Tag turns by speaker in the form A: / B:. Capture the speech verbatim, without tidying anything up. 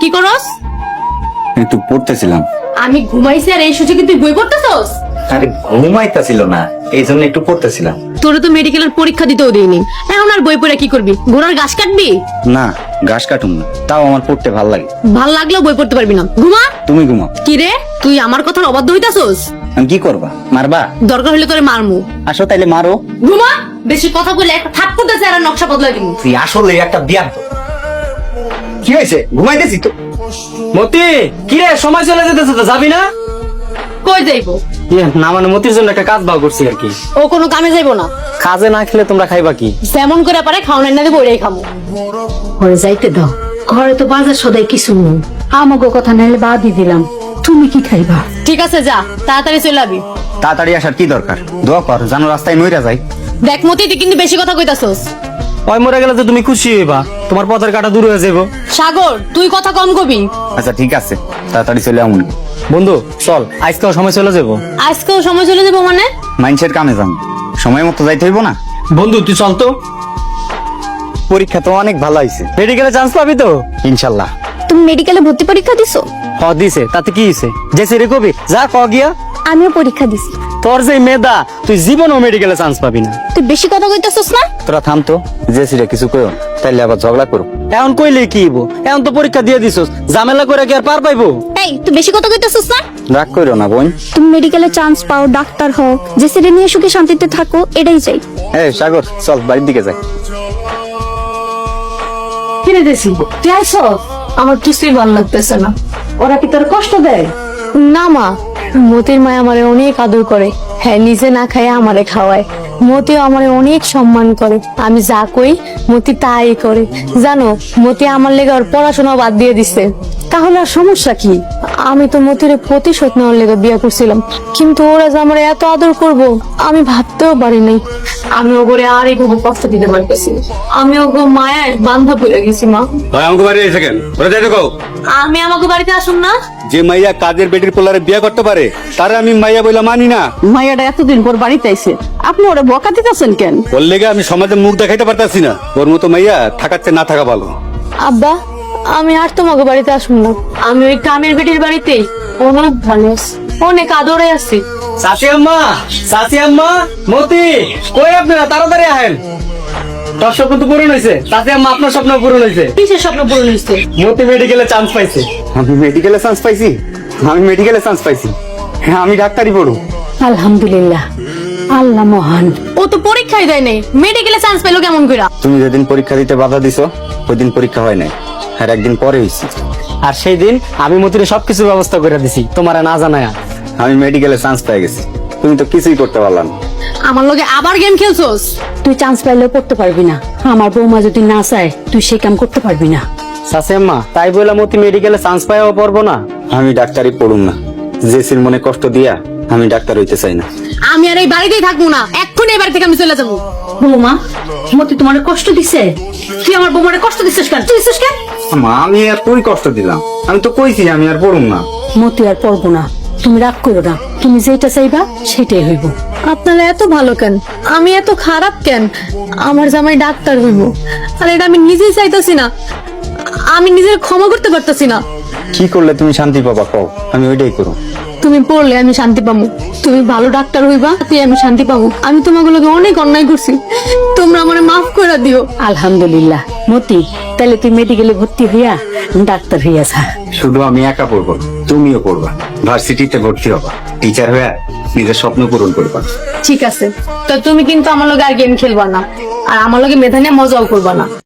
A: কি করস?
B: একটু পড়তেছিলাম।
A: আমি ঘুমাইছি আর এই সুযোগে তুই বই পড়তেছস?
B: আরে ঘুমাইতাছিল না, এই জন্য একটু পড়তেছিলাম।
A: তোরে তো মেডিকেলের পরীক্ষা দিতেও দেইনি, এখন আর বই পড়ে কি করবি? ঘোড়ার ঘাস কাটবি?
B: না, ঘাস কাটুম না, তাও আমার পড়তে ভাল লাগে।
A: ভাল লাগলেও বই পড়তে পারবি না, ঘুমা।
B: তুমি ঘুমাও।
A: কি রে, তুই আমার কথার অবাধ্য হইতাছস?
B: আমি কি করবা? মারবা?
A: দরকার হলে তোরে মারমু।
B: আসো তাইলে মারো।
A: ঘুমা, বেশি কথা বলে একটা থাপ্পড় দেছে আর নকশা বদলাই দিমু।
B: তুই আসলে একটা বিয়ার। কি হয়েছে? ঘুমাইতেছি তো।
C: মতি, কি রে, সময় চলে যেতেছে তো, যাবি না?
A: কই যাইবো?
C: ইয়ে, না মানে মতির জন্য একটা কাজ বাও করছি আর কি।
A: ও কোনো কামে যাইবো না।
C: কাজে না খেলে তোমরা খাইবা কি?
A: যেমন করে পারে খাওয়ানো না দেবো ওইটাই খাবো।
D: ঘরে যাইতে দাও, ঘরে তো বাজার সদাই কিছু নেই। আমাকে কথা নাইলে বাদই দিলাম, তুমি কি খাইবা?
A: ঠিক আছে, যা তাড়াতাড়ি চলে আবি।
B: তাড়াতাড়ি আসার কি দরকার? দোয়া কর জানো রাস্তায় নইরা যাই।
A: দেখ মতি, তুই কিন্তু বেশি কথা কইতাছস।
C: ওই মরে গেলে তো তুমি খুশি হইবা, তোমার পথের কাটা দূর হয়ে যাবো।
A: সাগর, তুই কথা কম কবি।
B: আচ্ছা ঠিক আছে, তাড়াতাড়ি চলে আমুন।
C: বন্ধু চল, আজকেও সময় চলে যাবো।
A: আজকেও সময় চলে যাবো মানে?
B: মাইন্সের কামে যাম, সময় মতো যাইতে হইব না?
C: বন্ধু তুই চল তো,
B: পরীক্ষা তো অনেক ভালো হয়েছে,
C: মেডিকেলে চান্স পাবি তো
B: ইনশাল্লাহ।
E: তুমি মেডিকেলে ভর্তি পরীক্ষা দিছো?
C: হ দিছে, তাতে কি হইছে? যে সিরে কবি যা ক গিয়া।
E: আমিও পরীক্ষা দিছি।
C: তোর যে মেধা, তুই জীবনও মেডিকেলে চান্স পাবি না।
E: তুই বেশি কথা কইতাছস না?
B: তোরা থাম তো, যে সিরে কিছু কইও না, তাইলে আবার ঝগড়া করো।
C: এখন কইলে কি হইব? এখন তো পরীক্ষা দিয়ে দিছস, ঝামেলা করে কি আর পার পাইবো?
E: এই, তুই বেশি কথা কইতাছস না?
B: রাগ করো না বোন।
E: তুমি মেডিকেলে চান্স পাও, ডাক্তার হও, যে সেটা নিয়ে সুখে শান্তিতে থাকো, এটাই চাই।
B: এই সাগর, চল বাড়ির দিকে যাই।
D: কিনে দিছি, তুই আইসস? আমার কিছুই ভালো লাগতেছে না। ওরা কি তোর কষ্ট দেয়?
A: না মা, মতির মা আমারে অনেক আদর করে। হ্যাঁ, নিজে না খায় আমারে খাওয়ায়। মতিও আমারে অনেক সম্মান করে। আমি যা কই মতি তাই করে। জানো, মতি আমার লেগে ওর পড়াশোনা বাদ দিয়ে দিছে।
D: তাহলে আর সমস্যা কি?
A: আমি তো মতির প্রতিশোধ নেওয়ার লেগে বিয়ে করছিলাম, কিন্তু ওরা যে আমার এত আদর করব আমি ভাবতেও পারি নাই। আমি ওগরে আর এইভাবে কষ্ট দিতে পারতেছি। আমি ওগো মায়ায় বান্ধা পড়ে গেছি মা।
F: ভাই আমাকে বাড়ি এসে কেন ওরা যাই দেখো।
A: আমি আমাকে বাড়িতে আসুন না।
F: যে মাইয়া কাজের বেটির পোলারে বিয়ে করতে পারে তারে আমি মাইয়া বইলা মানি না।
D: মাইয়াটা এতদিন পর বাড়িতে আইছে, আপনি ওরা বকা দিতেছেন কেন?
F: ওর লেগে আমি সমাজে মুখ দেখাইতে পারতাছি না। ওর মতো মাইয়া থাকাচ্ছে না থাকা ভালো।
A: আব্বা, আমি আর তোমাকে বাড়িতে আসুন না। আমি ওই কামের বেটির বাড়িতেই অনেক ভালো আছি, অনেক আদরে আছি।
C: চাচি আম্মা, চাচি আম্মা, মতি কই আপনারা? তাড়াতাড়ি আহেন, তোর স্বপ্ন তো পূরণ হয়েছে। চাচি আম্মা, আপনার স্বপ্ন পূরণ হয়েছে।
A: কিসের স্বপ্ন পূরণ হয়েছে?
C: মতি মেডিকেলে চান্স পাইছে।
B: আমি মেডিকেলে চান্স পাইছি? আমি মেডিকেলে চান্স পাইছি? হ্যাঁ, আমি ডাক্তারি পড়ু।
D: আলহামদুলিল্লাহ, আল্লাহ মহান।
A: ও তো পরীক্ষাই দেয় নাই, মেডিকেলে চান্স পেলো কেমন করে?
B: তুমি যেদিন পরীক্ষা দিতে বাধা দিছো ওই দিন পরীক্ষা হয় নাই, আর একদিন পরে হয়েছি।
C: আর সেই দিন আমি মতির সবকিছু ব্যবস্থা করে দিছি তোমার না জানায়া।
B: আমি মেডিকেলে চান্স পেয়ে গেছি, তুমি তো কিছুই করতে পারলাম না।
A: আমার লগে আবার গেম খেলছোস?
D: তুই চান্স পাইলেও করতে পারবি না। আমার বৌমা যদি না চায় তুই সেই কাম করতে পারবি না।
C: চাচি আম্মা, তাই বলে মতি মেডিকেলে চান্স পাইও পারবো না?
B: আমি ডাক্তারি পড়ুম না, জেসির মনে কষ্ট দিয়া আমি ডাক্তার হইতে চাই না।
A: আমি আর এই বাড়িতেই থাকবো না, এক্ষুনি এই বাড়ি থেকে আমি চলে যাবো।
D: বৌমা, মতি তোমার কষ্ট দিছে? তুই আমার বৌমারে কষ্ট দিছিস কেন? তুই দিছিস কেন?
B: মা, আমি আর তুই কষ্ট দিলাম? আমি তো কইছি আমি আর পড়ুম না।
D: মতি আর পড়বো না, তুমি রাগ করো না। তুমি যেটা চাইবা সেটাই হইব।
A: আপনারা এত ভালো কেন? আমি এত খারাপ কেন? আমার জামাই ডাক্তার হইব, আর এটা আমি নিজেই চাইতেছি না। আমি নিজের ক্ষমা করতে পারতেছি না।
B: কি করলে তুমি শান্তি পাবা কও, আমি ওইটাই করুম।
A: তুমি পড়লে আমি শান্তি পাবো, তুমি ভালো ডাক্তার হইবা তুই আমি শান্তি পাবো। আমি তোমাগুলোকে অনেক অন্যায় করছি, তোমরা আমারে মাফ করে দিও।
D: আলহামদুলিল্লাহ। মতি, তাহলে তুই মেডিকেলে ভর্তি হইয়া ডাক্তার হইয়া যা।
B: শুধু আমি একা পড়বো, তুমিও পড়বা, ভার্সিটিতে ভর্তি হবা, টিচার হয়ে নিজের স্বপ্ন পূরণ করবা।
A: ঠিক আছে, তো তুমি কিন্তু আমার লগে আর গেম খেলবা না, আর আমার লগে মেধা নিয়ে মজাও করবা না।